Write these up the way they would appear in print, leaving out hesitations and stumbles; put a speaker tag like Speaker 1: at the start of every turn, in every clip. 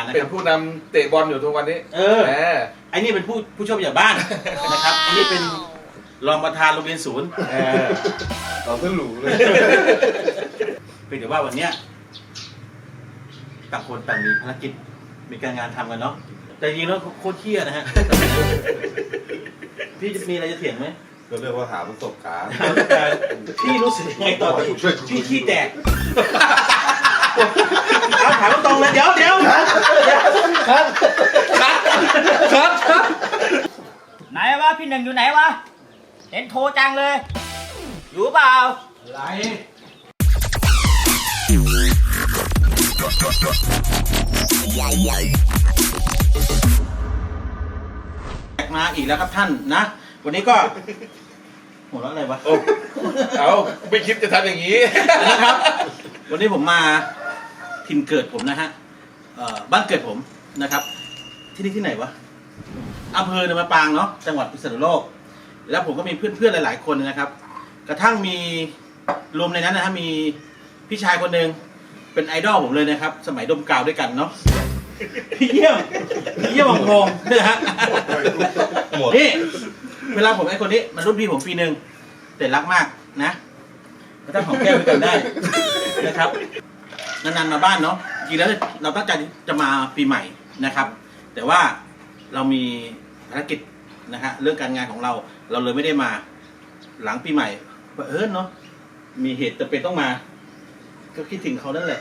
Speaker 1: นะค
Speaker 2: เป็
Speaker 1: รับ
Speaker 2: นผู้นำเตะบอลอยู่ทุกวันนี้
Speaker 1: ไอ้นี่เป็นผู้ช่วยผู้ใหญ่บ้านนะครับไอ้นี่เป็นรองประธานโรงเรียนศูนย์
Speaker 2: เราขึ้นหรูเลย
Speaker 1: เพียงแต่ว่าวันเนี้ยต่างคนต่างมีภารกิจมีการงานทำกันเนาะแต่จริงๆแล้วโคตรเที่ยนะฮะพี่มีอะไรจะเถียงไหม
Speaker 2: ก็เรียกว่าหาประสบการณ์
Speaker 1: พี่รู้สึกยังไงตอนที่พี่ขี้แตกเอาถามตรงเลยเดี๋ยว
Speaker 3: ครับไหนวะพี่หนึ่งอยู่ไหนวะเห็นโทรจังเลย อยู่เปล่า
Speaker 1: อะไรมาอีกแล้วครับท่านนะวันนี้ก็หัวเราะอะไรวะ
Speaker 2: เอาไม่คิดจะทำอย่างนี้
Speaker 1: นะครับวันนี้ผมมาถิ่นเกิดผมนะฮะบ้านเกิดผมนะครับที่นี่ที่ไหนวะอำเภอเนินมะปรางเนาะจังหวัดพิษณุโลกแล้วผมก็มีเพื่อนๆหลายๆคนนะครับกระทั่งมีรวมในนั้นนะฮะมีพี่ชายคนหนึ่งเป็นไอดอลผมเลยนะครับสมัยดมกาวด้วยกันเนาะพี่เยี่ยมวงพงศ์นี่ฮะนี่เวลาผมไอ้คนนี้มันรุ่นพี่ผมปีหนึ่งแต่รักมากนะก็ต้องหอมแก้มด้วยกันได้นะครับนานๆมาบ้านเนาะจริงแล้วเราตั้งใจจะมาปีใหม่นะครับแต่ว่าเรามีภารกิจนะฮะเรื่องการงานของเราเลยไม่ได้มาหลังปีใหม่เนาะมีเหตุจำเป็นต้องมาก็คิดถึงเขานั่นแหละ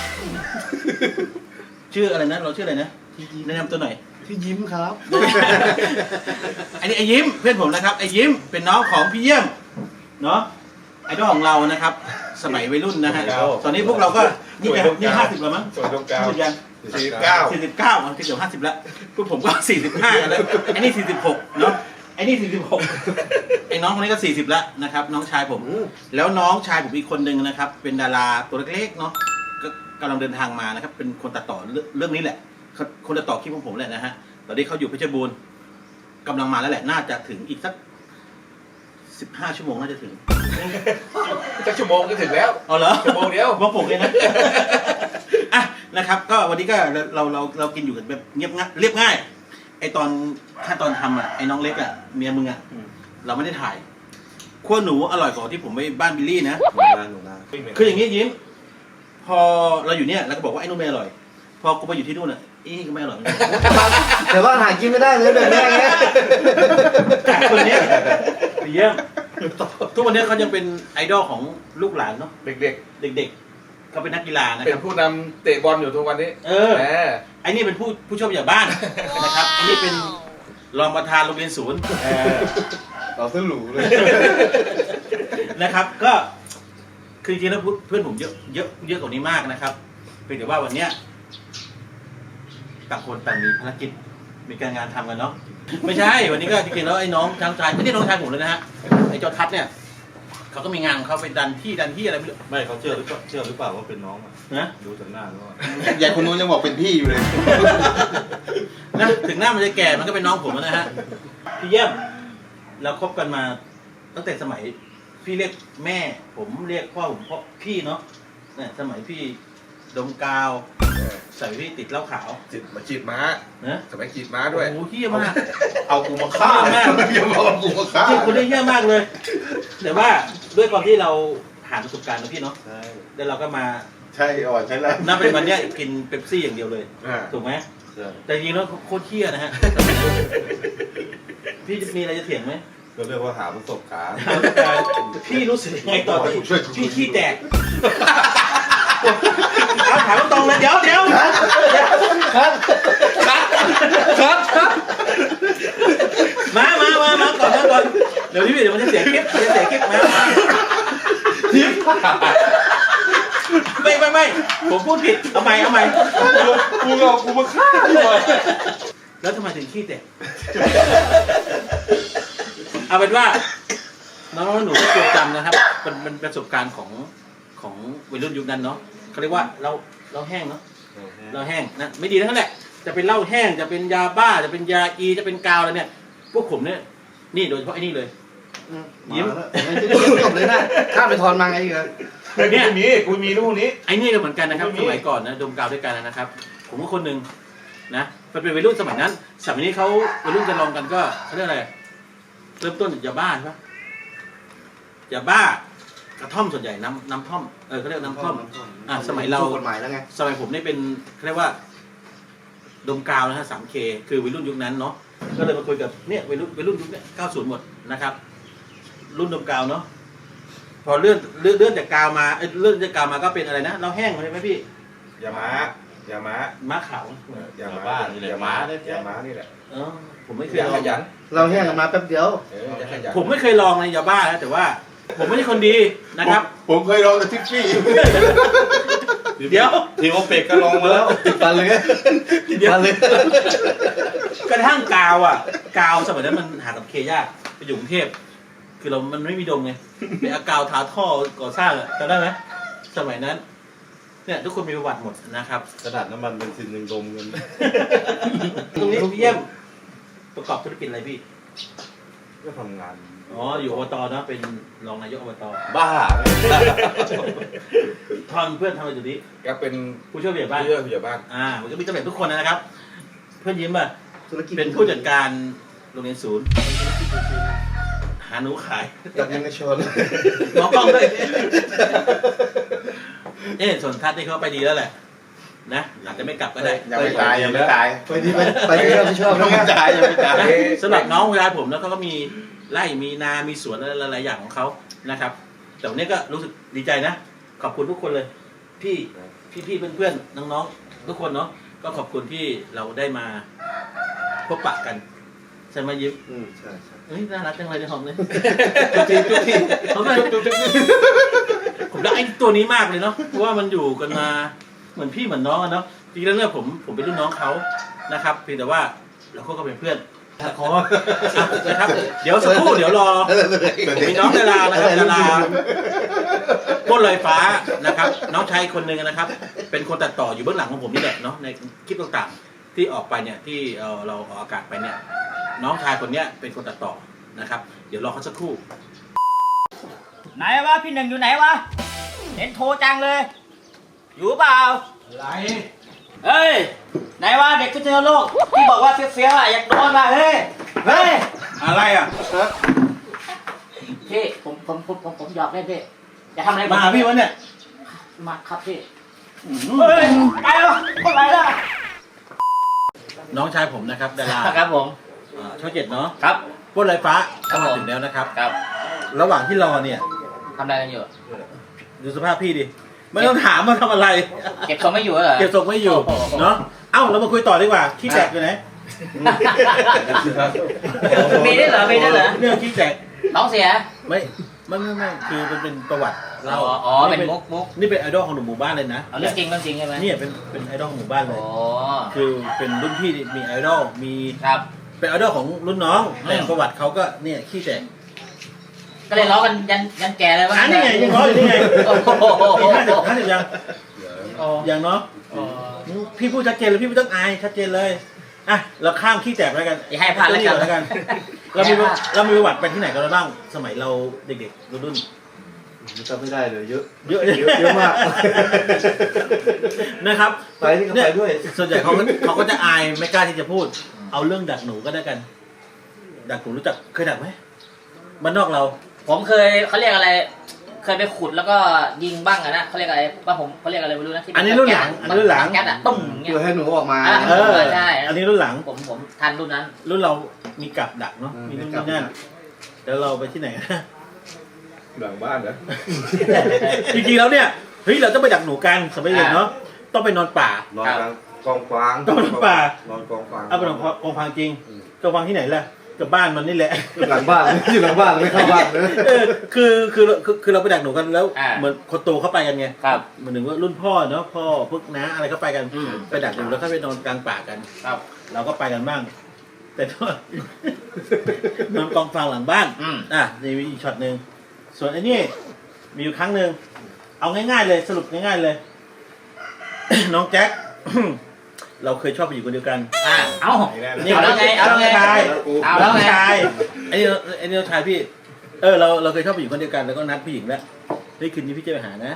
Speaker 1: ชื่ออะไรนะเราชื่ออะไรนะแนะนำตัวหน่อย
Speaker 4: พี่ยิ้มครับ
Speaker 1: อันนี้ไอ้ยิ้มเพื่อนผมนะครับไอ้ยิ้มเป็นน้องของพี่เยี่ยมเนาะไอดอลของเรานะครับสมัยวัยรุ่นนะฮะตอนนี้พวกเราก็นี่50แล้วมั้ง
Speaker 2: ส่วนตรงกลาง
Speaker 1: ยัง
Speaker 2: 49
Speaker 1: 49มันเกือบ50แล้วพวกผมก็45กันแล้วไอ้นี่46เนาะไอ้นี่46ไอ้น้องคนนี้ก็40แล้วนะครับน้องชายผมแล้วน้องชายผมอีกคนนึงนะครับเป็นดาราตัวเล็กๆเนาะก็กำลังเดินทางมานะครับเป็นคนตัดต่อเรื่องนี้แหละคนตัดต่อคลิปของผมแหละนะฮะตอนนี้เขาอยู่เพชรบูรณ์กำลังมาแล้วแหละน่าจะถึงอีกสัก15 ชั่วโมงน่าจะถึง
Speaker 2: สักชั่วโมงก็ถึงแล้ว
Speaker 1: เอาเหรอ
Speaker 2: ชั่วโมงเดียว
Speaker 1: บอกผมเลยนะอ่ะนะครับก็วันนี้ก็เรากินอยู่กันแบบเรียบง่ายไอตอนขั้นตอนทำอ่ะไอ้น้องเล็กอ่ะเมียมึงอ่ะเราไม่ได้ถ่ายขั้วหนูอร่อยกว่าที่ผมไปบ้านบิลลี่นะคืออย่างนี้ยิ้มพอเราอยู่เนี่ยเราก็บอกว่าไอ้นู่นไม่อร่อยพอกูไปอยู่ที่นู่นอ่ะอีนี่ก็ไม่อร่อย
Speaker 4: แต่ว่าหากินไม่ได้เลยแบบนี้ไง
Speaker 1: จากคนเนี้ยเยี่ยมทุกวันนี้เขายังเป็นไอดอลของลูกหลานเนาะ
Speaker 2: เด็ก
Speaker 1: เด็กๆเขาเป็นนักกีฬานะ
Speaker 2: ๆ เป็
Speaker 1: ครั
Speaker 2: น
Speaker 1: บ
Speaker 2: ผู้นำเตะบอลอยู่ทุกวันนี้
Speaker 1: ไอ้นี่เป็นผู้ช่วยผู้ใหญ่บ้านนะครับไอ้นี่เป็นรองประธานโรงเรียนศูนย์
Speaker 2: เราขึ้นหรูเลย
Speaker 1: นะครับก็คือจริงๆแล้วเพื่อนผมเยอะกว่านี้มากนะครับเพียงแต่ว่าวันเนี้ยต่างคนต่างมีภารกิจมีการงานทำกันเนาะไม่ใช่วันนี้ก็จริงๆแล้วไอ้น้องชายไม่ใช่น้องชายผมเลยนะฮะไอ้จอทัศน์เนี่ยเขาก็มีงานของเขาไปดันที่อะไรไม่รู้
Speaker 5: ไม่เขาเชื่อหรือเปล่าว่าเป็นน้องอ่ะ
Speaker 1: นะ
Speaker 5: ดูจากหน้าแล้วอะ
Speaker 4: ใหญ่คนนู้นยังบอกเป็นพี่อยู่เลย
Speaker 1: นะถึงหน้ามันจะแก่มันก็เป็นน้องผมนะฮะพี่เยี่ยมเราคบกันมาตั้งแต่สมัยพี่เรียกแม่ผมเรียกพ่อผมพ่อพี่เนาะเนี่ยสมัยพี่ดมกาวใส่พี่ติดเหล้าขาว
Speaker 2: มาจีบม้า
Speaker 1: นะ
Speaker 2: สมัยจีบม้าด้วย
Speaker 1: โอ้โหเหี้ยมาก
Speaker 4: เอากูมาฆ่า
Speaker 1: เหี้ยมาก
Speaker 4: อย่าบอกว่ากูมาฆ่า
Speaker 1: จริงคนนี้เหี้ยมากเลย แต่ว่าด้วยความที่เราผ่านประสบการณ์นะพี่เนาะ
Speaker 5: ใช่
Speaker 1: แล้วเราก็มา
Speaker 4: ใช่อ่อนใช่แล้ว
Speaker 1: นับเป็นวันเนี้ยกินเป๊ปซี่อย่างเดียวเลย ถูกไหม
Speaker 5: ใช่
Speaker 1: แต่จริงๆแล้วโคตรเที่ยนะฮะพี่มีอะไรจะเถียงไหม
Speaker 5: ก็เรียกว่าหาประสบการณ์
Speaker 1: พี่รู้สึกยังไงตอนที่พี่ขี้แตกเอาถามตรงเลยเดี๋ยวมาก่อนเดี๋ยวพี่เดี๋ยวมันจะเสียคลิปมาไม่ผมพูดผิดเอาใหม่
Speaker 2: กูมาฆ่าด้วย
Speaker 1: แล้วทำไมถึงขี้แตกเอาเป็นว่าน้องหนูก็จดจำนะครับเป็นประสบการณ์ของวัยรุ่นยุคนั้นเนาะเขาเรียกว่าเราแห้งเนาะเราแห้งนะไม่ดีทั้งนั้นแหละจะเป็นเหล้าแห้งจะเป็นยาบ้าจะเป็นยาอีจะเป็นกาวอะไรเนี่ยพวกผมเนี่ยนี่โดยเฉพาะไอ้นี่เลยยิ้ม
Speaker 4: จบเลยนะข้ามไปทอนมาไงอีกเหรอ
Speaker 1: เนี่ย
Speaker 2: กูมีลูกนี้
Speaker 1: ไอ้นี่ก็เหมือนกันนะครับสมัยก่อนนะดมกาวด้วยกันนะครับ ผมก็คนหนึ่งนะมันเป็นวัยรุ่นสมัยนั้นสมัยนี้เขาวัยรุ่นจะลองกันก็เขาเรียกอะไรเริ่มต้นจากยาบ้าใช่ปะยาบ้ากระท่อมส่วนใหญ่น้ำท่อมเขาเรียกน้ำท่อมสมัยเรา
Speaker 4: ถูกกฎหมายแล้วไง
Speaker 1: สมัยผมนี่เป็นเขาเรียกว่าดมกาวนะฮะ 3K คือวัยรุ่นยุคนั้นเนาะก็เลยมาคุยกับเนี่ยวัยรุ่นยุคเนี้ย90หมดนะครับ รุ่นดมกาวเนาะพอเลื่อนจากกาวมาเลื่อนจากกาวมาก็เป็นอะไรนะเราแห้งใช่ไหมพี่
Speaker 2: อย่าม้าอย่าม้า
Speaker 1: ม้าขาว
Speaker 2: อย่าม้าอย่าม้าอย่าม้านี่แหละ
Speaker 1: ผมไม่เคย
Speaker 2: อย่า
Speaker 1: ล
Speaker 2: ข
Speaker 1: อง
Speaker 2: ยัน
Speaker 4: เราแห้งกันมาแป๊บเดียว
Speaker 2: อย่าขยัน
Speaker 1: ผมไม่เคยลองในยาบ้านะแต่ว่า ผมไม่ใช่คนดีนะครับ
Speaker 4: ผมเคยลองกับทิฟฟี่
Speaker 1: เดี๋ยว
Speaker 5: ทีโอเป็กก็ลองมาแล้ว
Speaker 4: ติดฟันเลยติดฟันเลย
Speaker 1: กระทั่งกาวกาวสมัยนั้นมันหากับเคยากไปอยู่กรุงเทพคือมันไม่มีดมไงไปเอากาวทาท่อก่อสร้างจำได้ไหมสมัยนั้นเนี่ยทุกคนมีประวัติหมดนะครับ
Speaker 5: กระดาษน้ำมันเป็นซินยังดมเงิน
Speaker 1: ตรงนี้พี่เยี่ยมประกอบธุรกิจอะไรพี่
Speaker 5: ก็ทำงาน
Speaker 1: อ๋ออยู่อบตนะเป็นรองนายกอบต
Speaker 5: บ้า
Speaker 1: ทอนเพื่อนทำอะไรอยู่นี้
Speaker 2: ก็เป็น
Speaker 1: ผู้ช่วยผู้ใหญ่บ้าน
Speaker 2: ผู้ช่วยผู้ใหญ่บ้าน
Speaker 1: มันก็มีตำแหน่งทุกคนนะครับ เพื่อนยิ้มอ่ะ
Speaker 4: ธุรกิจ
Speaker 1: เป็นผู้จัดการโรงเรียนศูนย์หาหนูขาย
Speaker 4: กับยังกระชน
Speaker 1: หมอกล้องด้วยส่วนทัศน์นี่เขาไปดีแล้วแหละนะอาจจะไม่กลับก็ได้
Speaker 4: ยังไม่ตายยังไม่ตายไปที่ไปที่เราไม่ชอบยังไม่ตายยังไม่ตาย
Speaker 1: นะสำหรับน้องเวลาผมแล้วเขาก็มีไร่มีนา มีสวนอะไรหลายๆอย่างของเขานะครับ แต่วันนี้ก็รู้สึกดีใจนะ ขอบคุณทุกคนเลย พี่เพื่อนๆน้องๆทุกคนเนาะก็ขอบคุณที่เราได้มาพบปะกันใช่ไหมยิ้ม
Speaker 4: ใช่ใช่
Speaker 1: เฮ้ยน่ารักจังเลยในห้องเลย
Speaker 4: ทุกที
Speaker 1: ผมรักไอ้ตัวนี้มากเลยเนาะเพราะว่ามันอยู่กันมาเหมือนพี่เหมือนน้องอะเนาะจริงๆแล้วเนี่ยผมเป็นรุ่นน้องเขานะครับเพียงแต่ว่าเราก็เป็นเพื่อนนะครับเดี๋ยวสักครู่เดี๋ยวรอมีน้องดารานะครับดาราก้นลอยฟ้านะครับน้องชายคนหนึ่งนะครับ เป็นคนตัดต่ออยู่เบื้องหลังของผมนี่แหละเนาะในคลิปต่างๆที่ออกไปเนี่ยที่เราออกอากาศไปเนี่ยน้องชายคนเนี้ยเป็นคนตัดต่อนะครับ เดี๋ยวรอเขาสักครู่
Speaker 3: ไหนวะพี่หนึ่งอยู่ไหนวะเห็นโทรจังเลย อยู่เปล่า
Speaker 1: อะไร
Speaker 3: เฮ้ยไหนวะเด็กพิษณุโลกที่บอกว่าเฟี้ยวๆอ่ะอยากโดนว่ะเฮ้ยเฮ้ย
Speaker 1: อะไรอ่ะ
Speaker 3: พี่ผมหยอกเล่นพี่จะทำอะไร
Speaker 1: มาหาพี่วะเนี่ย
Speaker 3: มาครับพี่เฮ้ยไปแล้วไปแล้ว
Speaker 1: น้องชายผมนะครับดารา
Speaker 3: ครับผม
Speaker 1: ช่อง7เนาะ
Speaker 3: ครับ
Speaker 1: ก้นลอยฟ้า
Speaker 3: ครับ
Speaker 1: มา
Speaker 3: ผม
Speaker 1: ถึงแล้วนะครับ
Speaker 3: ครับ
Speaker 1: ระหว่างที่รอเนี่ย
Speaker 3: ทำอะไรกันอยู่
Speaker 1: ดูสภาพพี่ดิไม่ต้องถามมาทำอะไร
Speaker 3: เก็บทรงไม่อยู่เหรอ
Speaker 1: เก็บทรงไม่อยู่
Speaker 3: โอ้โห
Speaker 1: เนาะเอ้าเรามาคุยต่อดีกว่าขี้แตกอยู่ไหน
Speaker 3: มีได้วยเหรอมีได้วยเหรอ
Speaker 1: เรื่องขี้แตก
Speaker 3: น้องเสีย
Speaker 1: ไม่คือมันเป็นประวัติเรา
Speaker 3: อ๋อเป็นมุก
Speaker 1: นี่เป็นไอดอลของหนุ่มหมู่บ้านเลยนะ
Speaker 3: เอาเรื่องจริงใช่ไหม
Speaker 1: เนี่ยเป็นไอดอลของหมู่บ้านเลย
Speaker 3: โอ้
Speaker 1: คือเป็นรุ่นพี่ที่มีไอดอลมี
Speaker 3: ครับ
Speaker 1: เป็นไอดอลของรุ่นน้องแต่
Speaker 3: อืม
Speaker 1: ประวัติเขาก็เนี่ยขี้แตก
Speaker 3: ก็เลยล้อกันยันแก่เลยว่า
Speaker 1: นี่ไงยังร้อยอยู่นี่ไง
Speaker 3: โอ้โห
Speaker 1: ปี50ยังอย่างเนาะพี่พูดชัดเจนเลยพี่ไม่ต้องอายชัดเจนเลยอ่ะเราข้ามขี้แตกแล้วกัน
Speaker 3: อย่าให้พลาดแล้วกัน
Speaker 1: เรามีประวัติไปที่ไหนกันบ้างสมัยเราเด็กๆรุ่น
Speaker 4: จำไม่ได้เลยเยอะ
Speaker 1: เยอะ
Speaker 4: เยอะมาก
Speaker 1: นะครับ
Speaker 4: ไปนี่ก็ไปด้วย
Speaker 1: ส่วนใหญ่เขาก็จะอายไม่กล้าที่จะพูด เอาเรื่องดักหนูก็ได้กัน ดักหนูรู้จักเคยดักไหมบ้านนอกเรา
Speaker 3: ผมเคยเขาเรียกอะไร เคยไปขุดแล้วก็ยิงบ้างอะนะเขาเรียกอะไรว่าผมเขาเรียกอะไรไม่รู้นะที่เป็
Speaker 1: อันนี้รุ่นหลังอันนี้รุ่นหลัง
Speaker 3: แก๊สอะตุ้มเงี้ย
Speaker 4: เพื่อให้หนูออกมา
Speaker 3: อ่ะ ใช่
Speaker 1: อันนี้รุ่นหลัง
Speaker 3: ผมทันรุ่นนั้น
Speaker 1: รุ่นเรามีกับดักเนาะ
Speaker 4: อืม
Speaker 1: มีนู่น
Speaker 4: มีกับ
Speaker 1: นี่นั่น
Speaker 4: ดัก
Speaker 1: แล้วเราไปที่ไหน
Speaker 2: หลังบ้านนะ
Speaker 1: จริงๆแล้วเนี่ยเฮ้ยเราต้องไปดักหนูกันสมัยเด็กเนาะต้องไปนอนป่า
Speaker 5: นอนกลางกองฟาง
Speaker 1: ต้องนอนป่า
Speaker 5: นอนกองฟาง
Speaker 1: เอาไปนอนกองฟางจริงกองฟางที่ไหนล่ะกับบ้านมันนี่แหละ
Speaker 4: หลังบ้านอยู่หลังบ้านไม่เข้าบ้านเลย
Speaker 1: คือเราไปดักหนูกันแล้ว
Speaker 3: อ่า
Speaker 1: เหมือนคนโตเข้าไปกันไง
Speaker 3: ครับ
Speaker 1: เหมือนถึงว่ารุ่นพ่อเนาะพ่อพวกน้าอะไรเข้าไปกัน
Speaker 3: อืม
Speaker 1: ไปดักหนูแล้วก็ไปนอนกลางป่ากัน
Speaker 3: ครับ
Speaker 1: เราก็ไปกันบ้าง แต่ก็ นอนกองฟางหลังบ้าน
Speaker 3: อืม
Speaker 1: นี่มีอีกช็อตหนึ่งส่วนไอ้นี่มีอยู่ครั้งหนึ่งเอาง่ายๆเลยสรุปง่ายๆเลย น้องแจ็ค เราเคยชอบไปอยู่คนเดียวกัน
Speaker 3: เอา
Speaker 1: นี่
Speaker 3: เอาแล้วไงเอาแล้วไง
Speaker 1: น้องชาย
Speaker 3: เอาแล้ว
Speaker 1: น้อง
Speaker 3: ไง
Speaker 1: ชายไอ้นี่น้องชายพี่เราเคยชอบไปอยู่คนเดียวกันแล้วก็นัดผู้หญิงแล้วเฮ้ยคืนนี้พี่จะไปหานะ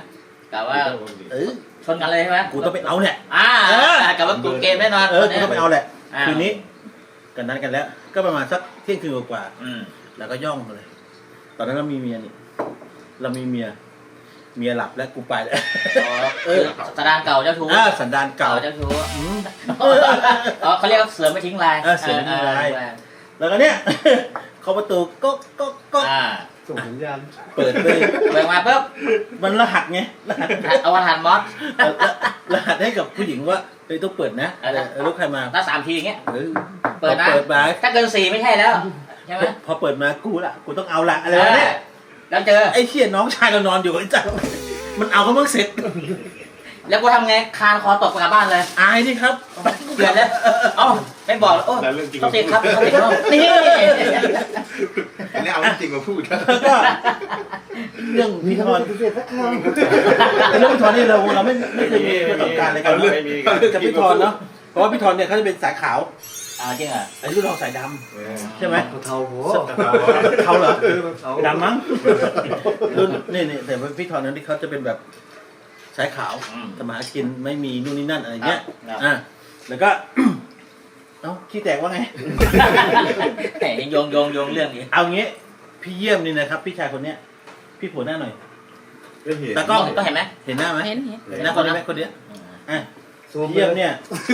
Speaker 3: กะว่า
Speaker 1: เออ
Speaker 3: ชนกันเลยใช่ไหม
Speaker 1: กูต้องไปเอาเนี่ย
Speaker 3: กะว่ากูเกมแน่นอน
Speaker 1: กูต้องไปเอาแหละ
Speaker 3: อ่า
Speaker 1: คืนนี้กันนัดกันแล้ว ก็ประมาณสักเที่ยงคืนกว่า
Speaker 3: อืม
Speaker 1: แล้วก็ย่องมาเลย ตอนนั้นเรามีเมียนี่เรามีเมียหลับแล้วกูไปแล้ว
Speaker 3: สันดานเก่าเจ้าชู้
Speaker 1: สันดานเก่า
Speaker 3: เจ้าชู้
Speaker 1: อืม
Speaker 3: เขาเรียกว่าเสือไม่ทิ้งลาย
Speaker 1: เสือไม่ทิ้งลาย แล้วก็เนี่ย เขาประตูก็
Speaker 5: ส่งสัญญาณ
Speaker 1: เปิดไป
Speaker 3: เปิดมาปุ๊บ
Speaker 1: มันรหัสไงรหัส
Speaker 3: เอาวันหันมอส
Speaker 1: รหัสให้กับผู้หญิงว่าเฮ้ยต้องเปิดนะลูกใครมา
Speaker 3: แล้ว3 ทีอย่างเงี้ย
Speaker 1: เออ
Speaker 3: เปิดนะ
Speaker 1: เปิดมา
Speaker 3: ถ้าเกิน4ไม่ใช่แล้วใช่ไหม
Speaker 1: พอเปิดมากูต้องเอาละอะไรวะเนี่ย
Speaker 3: แล้วเจอ
Speaker 1: ไอ้เชี่ยน้องชายเรานอนอยู่ไอ้จังมันเอาเขาเมื่อเสร็จ
Speaker 3: แล้วกูทำไงคานคอตกกลับบ้านเลย
Speaker 1: อายดิครับ
Speaker 3: เกลียดเลยเอ้าไม่บอกโอ้ต้องติดครับต้องติดครับนี่
Speaker 5: อันนี้เอาจริงมาพูดนะ
Speaker 1: แล้วก็เรื่องพี่ทอนเรื่องพี่ทอนนี่เราไม่เคยมีประสบการณ์อะไรกันเนอะกับพี่ทอนเนาะเพราะว่าพี่ทอนเนี่ยเขาจะเป็นสายขาว
Speaker 3: จริงเหรอ
Speaker 1: ไอ้รุ่นเราสายดำใช่ไหม
Speaker 4: เทาโห
Speaker 1: เขาเหรอดำมั้งรุ่นนี่แต่ว่าพี่ทอนนั้นที่เขาจะเป็นแบบสายขาวทำมาหากินไม่มีนู่นนี่นั่นอะไรเงี้ยแล้วก็ เอ้าขี้แตกว่าไง
Speaker 3: แหมโยงเรื่องนี้
Speaker 1: เอางี้พี่เยี่ยมนี่นะครับพี่ชายคนเนี้ยพี่ผัวหน้าหน่อย
Speaker 5: ไม่เห็น
Speaker 1: แต่ก็
Speaker 3: ต้องเห็นไหม
Speaker 1: เห็นหน้าไหม
Speaker 6: เห็น
Speaker 1: หน้าคนนี้ไหมคนเนี้ยอ่ะพี่เยี่ยมเนี่ย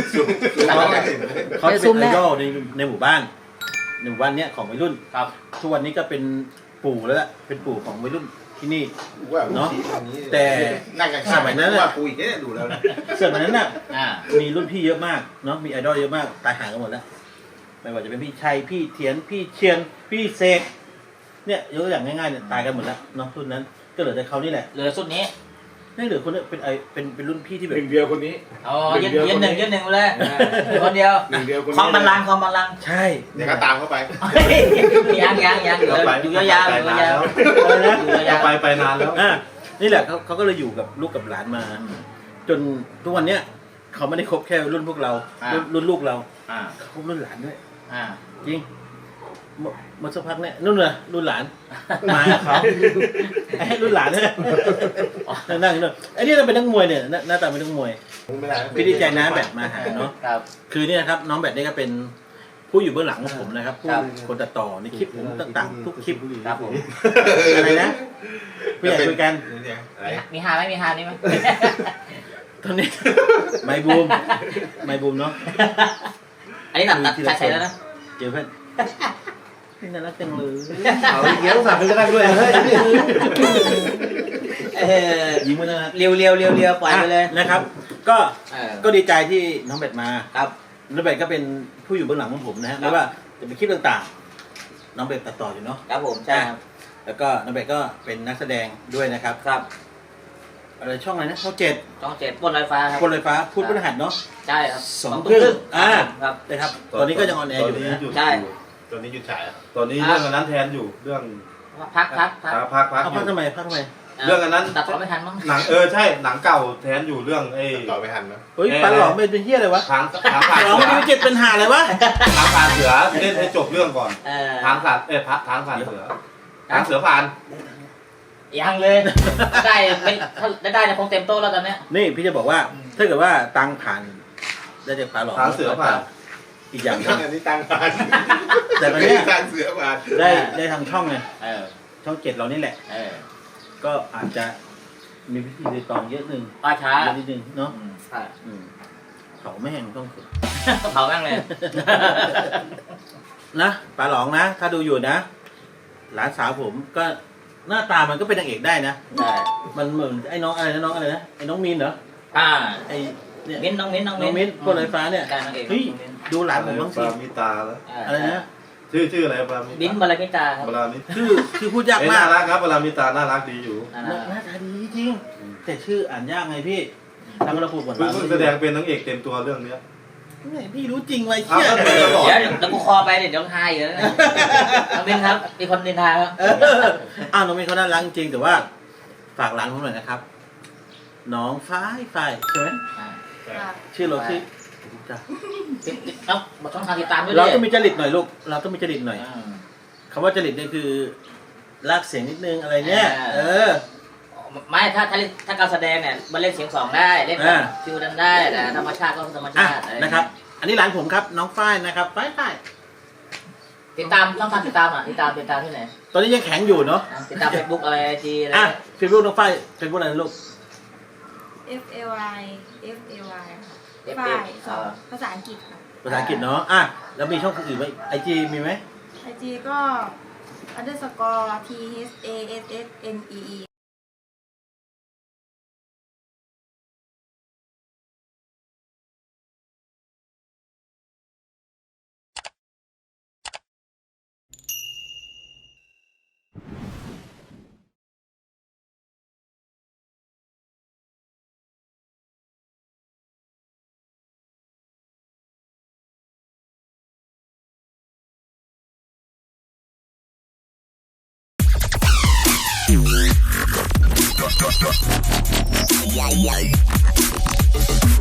Speaker 1: เขาจะเป็นไอดอลในหมู่บ้านเนี้ยของวัยรุ่น
Speaker 3: ครับ
Speaker 1: ทุกวันนี้ก็เป็นปู่แล้วล่ะเป็นปู่ของวัยรุ่นที่นี่
Speaker 5: ว่า
Speaker 1: เนาะ
Speaker 5: แต่
Speaker 1: แต่
Speaker 5: นั่งกัน
Speaker 1: สมัยนั้น
Speaker 5: ว่ากูอีกเนี่ยดูแล้ว
Speaker 1: ส่วนนั้นน่ะ
Speaker 3: อ่า
Speaker 1: มีรุ่นพี่เยอะมากเนาะมีไอดอลเยอะมากตายห่างกันหมดแล้วไม่ว่าจะเป็นพี่ชัยพี่เทียนพี่เชียนพี่เสกเนี่ยยกตัวอย่างง่ายๆเนี่ยตายกันหมดแล้วเนาะรุ่นนั้นก็เหลือแต่เขานี่แหละ
Speaker 3: เหลือสุดนี้
Speaker 1: นี่เหลือคนนี้เป็นรุ่นพี่ที่แบบ
Speaker 2: หนึ่งเดียวคนนี้
Speaker 3: อ๋อยืนหนึ่งเลยคนเดียว
Speaker 2: หนึ่งเดียวคนนี้
Speaker 3: ความบัลลังก์ความบัลลังก์
Speaker 1: ใช่
Speaker 5: เดี๋ยวก็ตามเข้าไป
Speaker 3: ยังอยู่ยาวๆอยู่ยาว
Speaker 1: อะไรนะ
Speaker 3: ๆยาว
Speaker 5: ไปนานแล้ว
Speaker 1: นี่แหละเขาก็เลยอยู่กับลูกกับหลานมา จนทุกวันเนี้ยเขาไม่ได้คบแค่รุ่นพวกเรารุ่นลูกเรา เขาคบรุ่นหลานด้วย จริงหมดสักพักเนี่ยนู่นเลยรุ่นหลานมากับเขาให้รุ่นหลานเนี่ยนั่งอยู่นู่นไอ้นี่เราเป็นนักมวยเนี่ยหน้าตาเป็นนักมวยพี่ดีใจนะแบบมาหาเนาะ
Speaker 3: ครับ
Speaker 1: คือเนี่ยครับน้องแบบนี่ก็เป็นผู้อยู่เบื้องหลังของผมนะครับผู้คนตัดต่อในคลิปผมต่างๆทุกคลิป
Speaker 3: ครับผม
Speaker 1: อะไรนะผู้ใหญ่คุยกัน
Speaker 3: มีฮาไหมมีฮานี่ไหม
Speaker 1: ตอนนี้ไมบูมเนาะ
Speaker 3: อันนี้ตัดใส่แล้วนะ
Speaker 1: เจอเพื่อนนี่น่ารักจังเลย
Speaker 4: เอาอีกแล้วฝากเป็นกระดังด้วยเฮ้ย
Speaker 1: ยิ้มมันนะ
Speaker 3: เรียวปล่อยไปเลย
Speaker 1: นะครับ ก็ดีใจที่น้องเบ็ดมา
Speaker 3: ครับ
Speaker 1: น้องเบ็ดก็เป็นผู้อยู่เบื้องหลังของผมนะฮะไม่ว่าจะเป็นคลิปต่างๆน้องเบ็ดตัดต่ออยู่เนาะ
Speaker 3: ครับผมใช่ครับ
Speaker 1: แล้วก็น้องเบ็ดก็เป็นนักแสดงด้วยนะครับ
Speaker 3: ครับ
Speaker 1: อะไรช่องอะไรนะช่องเจ็ด
Speaker 3: ช่อง7บนลอยฟ้าครับ
Speaker 1: คนลอยฟ้าพูดพฤหัสเนาะ
Speaker 3: ใช่ครับ
Speaker 1: 2 ครึ่ง
Speaker 3: ครับ
Speaker 1: นะครับตอนนี้ก็ยังออนแอร์อยู่นะ
Speaker 3: ใช่
Speaker 5: ตอนนี้หยุดฉายตอนนี้เรื่องอันนั้นแทนอยู่เรื่อง
Speaker 3: พัก
Speaker 5: พัก
Speaker 1: เอาพักทำไม
Speaker 5: เรื่องอันนั้น
Speaker 3: ตัดต่อไม่ทันมั้ง
Speaker 5: หนังใช่หนังเก่าแทนอยู่เรื่องต่อไปทันนะ
Speaker 1: เฮ้ยปันหลอมเป็นเฮียอะไรวะ
Speaker 5: ทางผ่าน
Speaker 1: หลอมไม่รู้เจ็ดเป็นหาอะไรวะ
Speaker 5: ทางผ่านเสือเล่นให้จบเรื่องก่อนทางผ่านทางผ่านเสือทางเสือผ่าน
Speaker 3: ยังเลยได้เป็นถ้าได้คงเต็มโต๊ะแล้วตอนเนี้ย
Speaker 1: นี่พี่จะบอกว่าถ้าเกิดว่าตังผ่านได้จากปันหลอม
Speaker 5: ทางเสือผ่าน
Speaker 1: อีกอย่างนึง
Speaker 5: อันนี้ตังผ่าน
Speaker 1: แต่ตอนเนี้ย
Speaker 5: ทางเสือผ่าน
Speaker 1: ได้ทางช่องไง
Speaker 3: เออ
Speaker 1: ช่องเจ็ดเรานี่แหละ
Speaker 3: เออ
Speaker 1: ก็อาจจะมีพิธีรีตองเยอะนึง
Speaker 3: ป้าช้า
Speaker 1: เยอะนิดนึงเนาะ
Speaker 3: ใช่
Speaker 1: เขาไม่แห้งต้องฝึก
Speaker 3: เผาแม่งเลย
Speaker 1: นะปลาหลองนะ ถ้าดูอยู่นะ หลานสาวผมก็หน้าตามันก็เป็นนางเอกได้นะ
Speaker 3: ได้
Speaker 1: มันเหมือนไอ้น้องอะไรนะไอ้น้องมีนเหรอ ไอ้เนี่ย
Speaker 3: น้อง
Speaker 1: น้
Speaker 3: มิ้น
Speaker 1: องมิ้นพวกลอยฟ้าเนี่ย
Speaker 3: การนางเอก
Speaker 1: เฮ้ยดูหลานผมบ้าง
Speaker 5: ป
Speaker 1: สิ
Speaker 5: ลามีตาแล้ว
Speaker 1: อะไรนะ
Speaker 5: ชื่ออะไรปลามี
Speaker 3: บิ้นบาลาพิตาครับ
Speaker 5: ปลามี
Speaker 1: คือพูดยากมา
Speaker 5: น่าก รักครับปลามีตาน่ารักดีอยู่
Speaker 1: หน้าตาดีจริงแต่ชื่ออ่านยากไงพี่ทำเราพูดก่อน
Speaker 5: เพิ่งแสดงเป็นนางเอกเต็มตัวเรื่องเนี้ย
Speaker 1: พี่รู้จริงไว้
Speaker 5: เอา
Speaker 1: เชี่ย
Speaker 5: ก็เป็นตลอด
Speaker 3: เดี๋ยวกูคอไปเดี๋ยวหายอยู่แล้วนะน้องมิ้นครับมีคนนินทาครับ
Speaker 1: อ้าวน้องมิ้นเขาน่ารักจริงแต่ว่าฝากหลานผมหน่อยนะครับ น้องฝ้ายใช่ไหมชื่อเราชื่อจ้ะ
Speaker 3: เอ้ามาช่องทางติดตามด้วย
Speaker 1: เรา
Speaker 3: ดิ
Speaker 1: ต้องมีจริตหน่อยลูกเราต้องมีจริตหน่อยคำว่าจริตเนี่ยคือลากเสียงนิดนึงอะไรเนี่ย
Speaker 3: ไม่ถ้าการแสดงเนี่ยมันเล่นเสียงสองได้เล่นแบบฟิวดันได้แต่ธรรมชาติก็ธรรม
Speaker 1: อ่ะ
Speaker 3: ชาติ
Speaker 1: นะครับ อันนี้หลานผมครับน้องฝ้ายนะครับฝ้าย
Speaker 3: ติดตามต้องทำติดตามที่ไหน
Speaker 1: ตอนนี้ยังแข็งอยู่เนาะ
Speaker 3: ติดตามเฟซบุ๊กอะไรไอจีอะไร
Speaker 1: อ่ะเฟซบุ๊กน้องฝ้ายเฟซบุ๊กอะไรนะลูก
Speaker 6: FAY ค่ะ
Speaker 3: FL
Speaker 6: ฝ่ายสอนภาษาอังกฤษค่ะ
Speaker 1: ภาษาอังกฤษเนาะอ่ะแล้วมีช่องอื่นไหมไอจีมีไหม
Speaker 6: IG ก็ _THASSNEE
Speaker 7: Yeah.